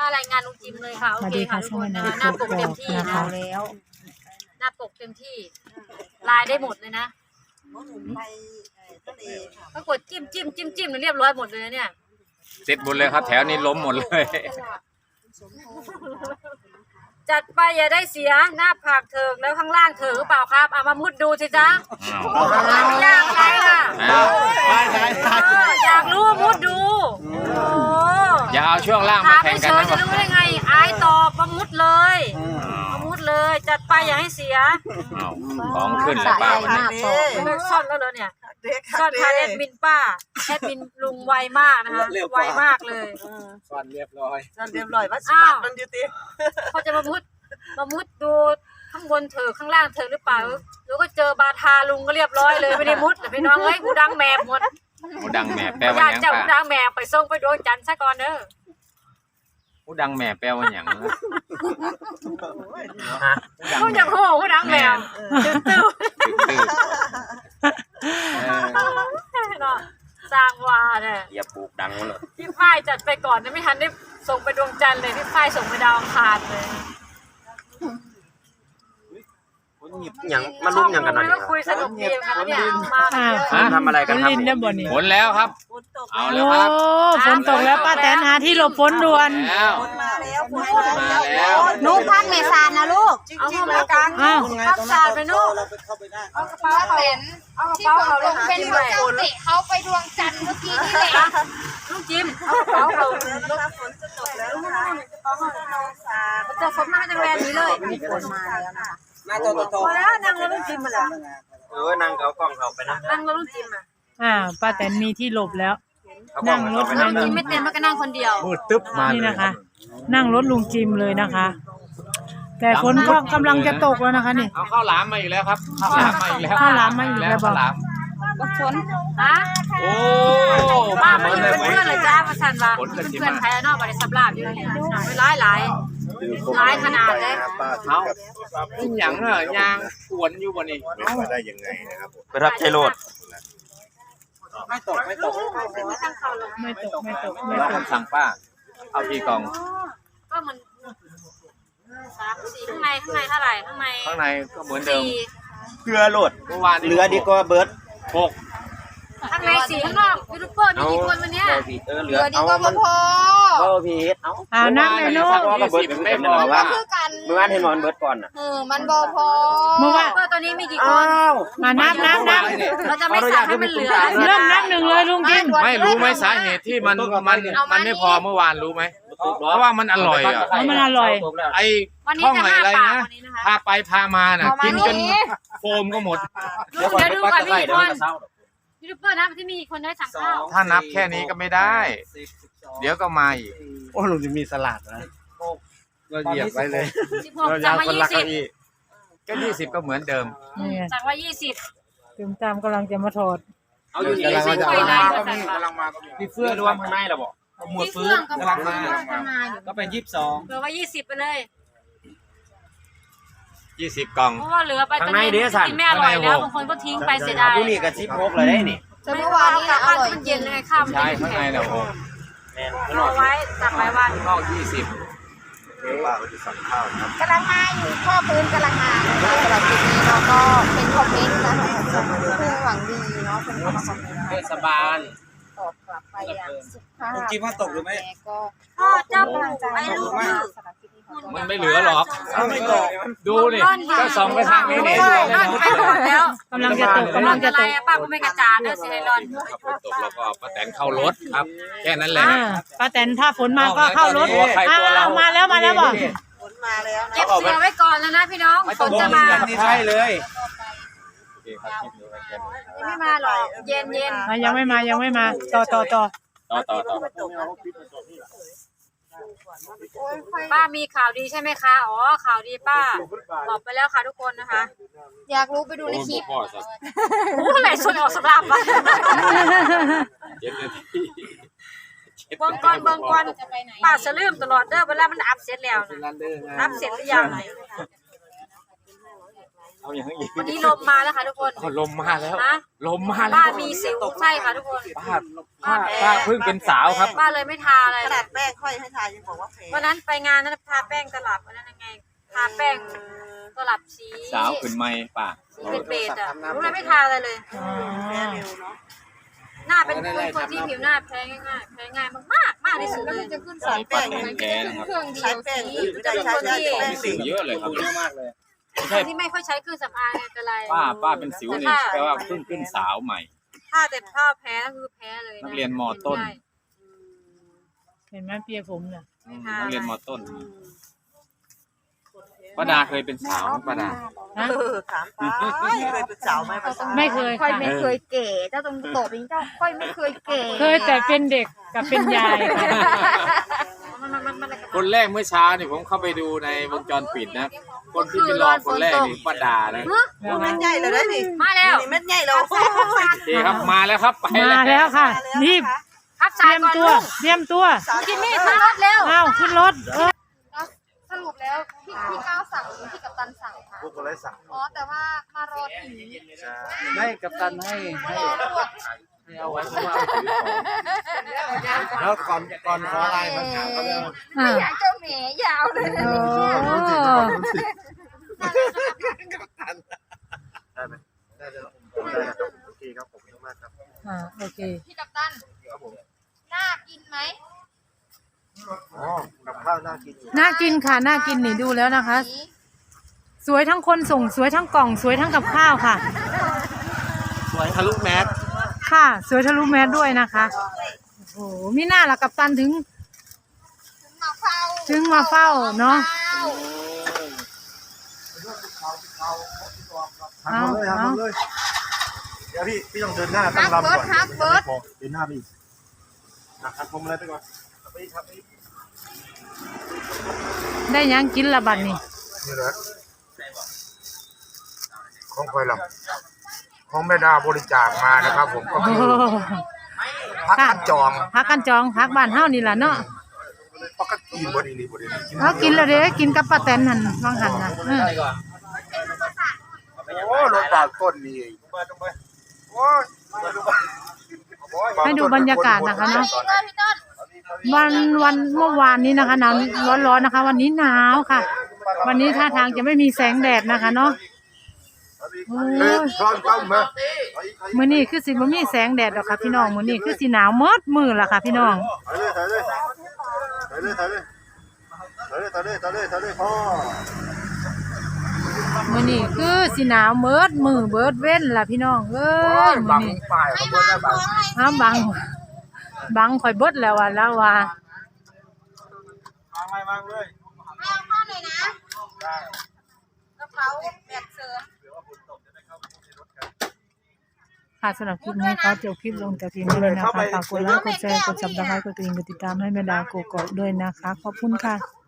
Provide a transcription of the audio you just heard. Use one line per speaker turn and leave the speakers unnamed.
ารายงานลุงจิมเลยค่ะโอเคค่ะทุกคนหน้าปกเต็มที่นะแล้วหน้าปกเต็มที่ลายได้หมดเลยนะก็กดจิ้มเรียบร้อยหมดเลยเนี่ย
เสร็จหมดเลยครับแถวนี้ล้มหมดเลย
จัดไปอย่าได้เสียหน้าผากเถิงแล้วข้างล่างเถิงหรือเปล่าครับเอามามุดดูสิจ๊ะไม่ยากอะไรล่ะอยากรู้มุดดู
อย่าเอาช่วงล่างมาแข่งกันนะ
จะรู้ได้ไงอายตอบมามุดเลยมามุดเลยจัดไปอย่าให้เสีย
ของขึ้นแล้วป้าวันนี้
ซ่อนแล้วเหรอเนี่ยซ่อนทานแอดมินป้าแอดมินลุงไวมากนะคะไวมากเลย
ซ่อนเรียบร้อย
ว่าสปัดมันอยู่ตี
เขาจะมามุดดูข้างบนเถอะข้างล่างเถอะหรือเปล่าแล้วก็เจอบาทาลุงก็เรียบร้อยเลยไม่ได้มุดพี่น้องเอ้ยกูดังแมบหมด
กูดังแมบแปลว่าอย่าง
ป้ากูดังแมบไปส่งไปดวงจันทร์ซะก่อนเด้อ
กูดังแมบแปลว่าอย่าง
กูจะโหกูดังแมบตื้อสร้างวาเนี่ย
อย่าปลูกดังเลย
พี่ฝ้ายจัดไปก่อนนะไม่ทันได้ส่งไปดวงจันทร์เลยพี่ฝ้ายส่งไปดาวอังคารเลย
อย่างมาลุ้มอย่างกันหน่อย
ก็คุยสนุกดีกันเนี่ยมา
ทำอะไรกันครับ
ฝนแล้วครับเอาแล้วครับ
ฝนตกแล้วป้าแตนหาที่หลบฝนด่วน
มาแล้ว
นุ๊กพักเมษานะลูก
เอาเข้ามากลางพักศาสตร์ไปนุ๊กเอากระเป๋าเขาเอากระเป๋าเขาลงเป็นหัวเจ้าเตะเขาไปดวงจันทร์เมื่อกี้นี่แหละลูกจิมเอากระเป๋าเขา
ฝนจะตกแล้วนะคะ
จะฝนมาจากแวนนี้เลย
ฝนมาแล้วนะคะ
น่าโต
มาแล้วนั่งแล้วลูกจิมมาแล้ว
นั่งเอากล้องเขาไปนะ
นั่งแล้วลูกจิม
ป้าแตนมีที่หลบแล้ว
นั่งรถลุงจิมไม่เต็มมันก็นั่งคนเดียว
มืดตึ๊บมา
นี่นะคะนั่งรถลุงจิมเลยนะคะแต่ฝนก็กำลังจะตกแล้วนะคะนี่
เอาข้าวหลามมาอีกแล้วครับข้าวหลามมาอีกแล้ว
ข้าวหลามมาอีกแล้วบอก
ฝนฮะ
โอ้
มาเหมือนเพื่อนเลยจ้ามาสั่นว่าเพื่อนใครนอกบริษัทลาบอยู่เนี่ยหลายขนาดเลย
เอาขึ้นหยังเหรอยางกวนอยู่บนนี้
มาได้ยังไงนะครับไปรับใช้โหลดไม่ตก
สั่งป้าเอากี่กล่อง
ก็มัน3-4ข้างในเท่าไหร่ข้างใน
ก็เหมือนเดิม
เกลือโหลดเมื่อวานเหลือดีกว่าเบิร์ด6
ข้างใน4ข้างนอกยูทูบเบอร์มีกี่คนวันนี้
เหลือดีกว่าพอพีเ
เอานั่งเลยลูก
ไม่พอว่า
เมื่อวานเห็นหมอนเบิร์ดก่อน
มันบอพอ
เมื่อวาน
ตัวนี้มีกี่คน
มานับ
เราจะไม่สั่งให้มันเหลือ
เริ่มนับ1เลยลุงจิม
ไม่รู้ไหมสาเหตุที่มันไม่พอเมื่อวานรู้ไหมเพราะว่ามันอร่อย
มันอร่อย
ไอ้ท่องอะไรนะพาไปพามาน่ะกินจนโฟมก็หมด
เดี๋ยวดูก่อนมีกี่คนยูทูบเบอร์นะที่มีคนได้สั่งข้าว
ถ้านับแค่นี้ก็ไม่ได้เดี๋ยวก็มาอีก
โอ้ลุงจะมีสลัดนะเราเหยียบไว้เลย
16จากว่า20
ก็20ก็เหมือนเดิม
จากว่า20
ถึงตามกำลังจะมาถอด
เอาอยู่นี่กำลังมาพี่เฟื่อรวมข้างในหรอบอกหมวดฟื้นกำลังมาก็เป็น22
เหลือว่า20ไปเลย
20กล่อง
เพราะว่าเหลือไปตอนนี้กินไม่อร่อยแล้วบางคนก็ทิ้งไปเสียดาย
นี่กับ16เลยได้นี่
แต่เมื่อวานนี้อร่อยมันเย็นเลยข้าว
ใช่ข้างในเนี่ยโอ้
เอาไว้ตักไว้ว่า
นอก20
กำลังมาอยู่ข้อพื้นกำลังมาสำหรับคลิปนี้เราก็เป็นคอมเมนต์นะคะคือหวังดีเนาะเป็นคอมเมนต์
เทศบาล
ตอบกลับไปอย่างสุภาพ
คิดว่าตกหรือไม่
ก็
เจ้าไม่รู้
มันไม่เหลือหรอกไม่ตกดูดิก็ส่องไปทางนี้นี่
แล้ว
กำลังจะตก
อะไรป้าก็ไม่กระจาดเด้อสิให้ร้อน
ตกแล้วก็ป้าแตนเข้ารถครับแค่นั้นแหละ
ป้าแตนถ้าฝนมาก็เข้ารถมาแล้วบอก
ฝนมาแล้ว
เก็บเสื้อไว้ก่อนแล้วนะพี่น้องฝนจะมา
ใช่เลย
ไม่มาหรอกเย็น
ยังไม่มาต่อ
ป้ามีข่าวดีใช่ไหมคะอ๋อข่าวดีป้าบอกไปแล้วค่ะทุกคนนะคะ
อยากรู้ไปดูในคลิป
โอ้ไหนชวนออกสำหรับวะเบิ่งก่อนป้าจะลืมตลอดเด้อเวลามันอัพเสร็จแล้วนะอัพเสร็จหรือยัง
เอาอย่างนี้
วันนี้ลมมาแล้วค่ะทุกคน
ลมมาแล้ว
นะ
ลมมาแล้ว
ป้ามีสิวใช่ค่ะทุกคน
ป้าเพิ่งเป็นสาวครับ
ป้าเลยไม่ทาอะไร
ขนาดแป้งค่อยให้ทายังบอกว่าแพ้
วันนั้นไปงานนั้นทาแป้งตลับวันนั้นยังไงทาแป้งตลับสี
สาวขึ้นไม่ป้า
สีเป็นเบจอ่ะรู้เลยไม่ทาอะไรเลย
แพ้เร็วเนาะ
หน้าเป็นคนที่ผิวหน้าแพ้ง่ายๆแพ้ง่ายมากที่สุดเลยจะขึ้น
สายป้าแท้นะครับ
ใช้แป้งไม่ได้ใช้แป้ง
สิวเยอะเลยครับ
เยอะมากเลย
ไม่
ค
ใช่
นที่ไม่ค่อยใช้เครื่องสำอางเป็นไร
ป้าเป็นสิวนี่แปลว่าเพิ่งขึ้นสาวใหม่
ถ้าแต่ถ้าแพ้ก็คือแพ้เลย
นักเรียนม.ต้น
เห็นไหมเปียผมเนี่ย
นักเรียนม.ต้นป้าดาเคยเป็นสาวป้าดา
นะ
ถามป้าเคยเป็นสาวไหมภาษา
ไม่เคย
ค่อย
ค่ะ
ไม่เคยเก๋เจ้าตรงโตบนี้เจ้าค่อยไม่เคยเก๋
เคยแต่เป็นเด็กกับเป็นยายค่ะ
คนแรกเมื่อเช้านี่ผมเข้าไปดูในวงจรปิดนะคนที่เป็นรองคนแรกนี่ป้าดานะ
เม็ดใหญ่เลยได้ดิ
มาแล้ว
นี่เม็ดใหญ่แล้ว
โอเคครับมาแล้วครับไป
มาแล้วค่ะรีบ
พัก
เต
สา
รี
ย
ยม
ก่อน
ตัว
ลูก
เตรียมตัว
จิมมี่ขึ้นรถเร็ว
อ้าวขึ้นรถ
สรุปแล้วพี่ก้าวสั่งหรือพี่กัปตันสั่งคะ
พวกคนไร้สั่ง
อ๋อแต่ว่ามารอถึง
ไม่กับตันให้เอาไว้เพราะว่าถือของแล้วก่อนขออะไรมันถามเขาเลย
อ่า
อยากเจ้าแหมยาวเลย
โอ้
ได้ไหมได้เลยโอเคครับผมมากครับ
โอเค
พี่กัปตัน
ครับผม
น่ากินไหม
อ๋อกับข้าวน่ากินอยู่
น่ากินค่ะน่ากินนี่ดูแล้วนะคะ สวยทั้งคนส่งสวยทั้งกล่องสวยทั้งกับข้าวค่ะ
สวยทะลุแมส
ค่ะสวยทะลุแมสด้วยนะคะโอ้โหมีหน้าละกับตันถึง
มาเฝ้า
มาเฝ้าเนาะ
ทำเลยทำเลยเดี๋ยวพี่ต้องเดินหน้าตั้งลำก่อนเดินหน้าพี่ทำผมอะไรไปก่อนไปครับ
ได้ยังกินละบัดนี่
นี่แหละของคอยลำของแม่ดาบริจาคมานะครับผมก็
โอ้
คือ
โห
พักกันจอง
พักกันจองพักบ้านเฮานี่ล่ะเนาะ
พักกันกินบดีนี่บดีนี่
เขากินแล้วเด้กินกับป้าแตนหันวางหันนะ
โอ้รถบาดต้นนี่โอ้ย
ให้ดูบรรยากาศนะคะเนาะวันเมื่อวานนี้นะคะหนาวร้อนๆนะคะ วันนี้หนาวค่ะ วันนี้ท่าทางจะไม่มีแสงแดดนะคะเนาะโอ้ย
พร้อมต้มไหม
มื้อนี้คือสิบ่มีแสงแดดหรอกค่ะพี่น้องมื้อนี้คือสิหนาวหมดมื้อล่ะค่ะพี่น้อง
ถ่ายเลยพ่อ
มื้อนี้คือสิหนาวหมดมื้อเบิดเว้นล่ะพี่น้องเอ้ยมื้
บั
อง นี้
ป้ายเขาบอกว่าบัง
อ้าวบังข่อยเบิดแล้วว่าแล้วว่า
บังเลย
ให้เอาข้าวหน่อยนะกระเป๋าแบบเสริม
ค่ะสำหรับคลิปนี้ขอจบคลิปลงแต่เพียงเท่านี้นะคะฝากกดไลค์กดแชร์กดซับสไครต์กดกระดิ่งกดติดตามให้แม่ดาวโกโก้ด้วยนะคะขอบคุณค่ะ